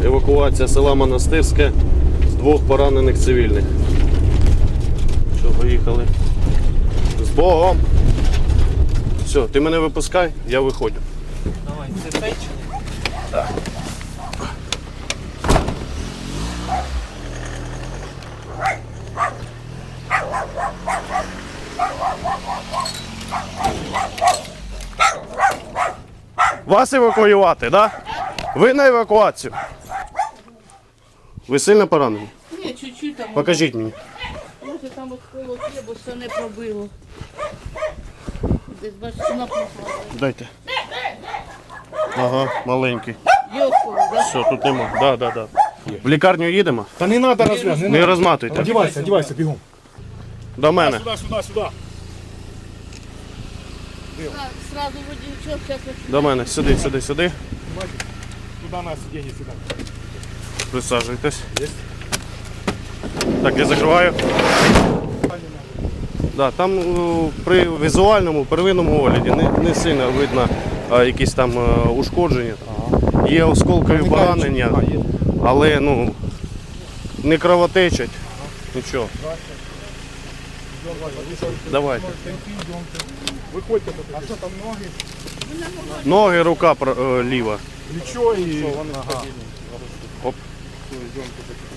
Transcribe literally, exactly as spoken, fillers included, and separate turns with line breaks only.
евакуація села Монастирське з двох поранених цивільних. Що, поїхали. З Богом! Все, ти мене випускай, я виходжу.
Давай, це печення?
Так. Вас евакуювати, так? Да? Ви на евакуацію. Ви сильно поранені?
Ні, чуть-чуть там.
Покажіть мені.
Може там от коло є, бо все не пробило. Десь бачиш, напухло.
Дайте. Ага, маленький.
Йоху, да?
Все, тут нема. Да, да, да. В лікарню їдемо?
Та не треба розв'яз, не
Не
треба.
розматуйте.
Одівайся, одівайся, бігом.
До мене.
Сюди, сюди, сюди.
Так, сразу водійчок, всяке.
До мене. Сюди, сюди, сюди.
Туди на сидіння, сюди.
Присаджуйтесь. Так, я закриваю. Да, там о, при візуальному первинному огляді не, не сильно видно а, якісь там а, ушкодження. Є осколкові поранення, але ну, не кровотечать. Нічого. Давайте.
Виходьте. А що там ноги?
Ноги, рука пр- е, ліва.
Плечо і...
Оп.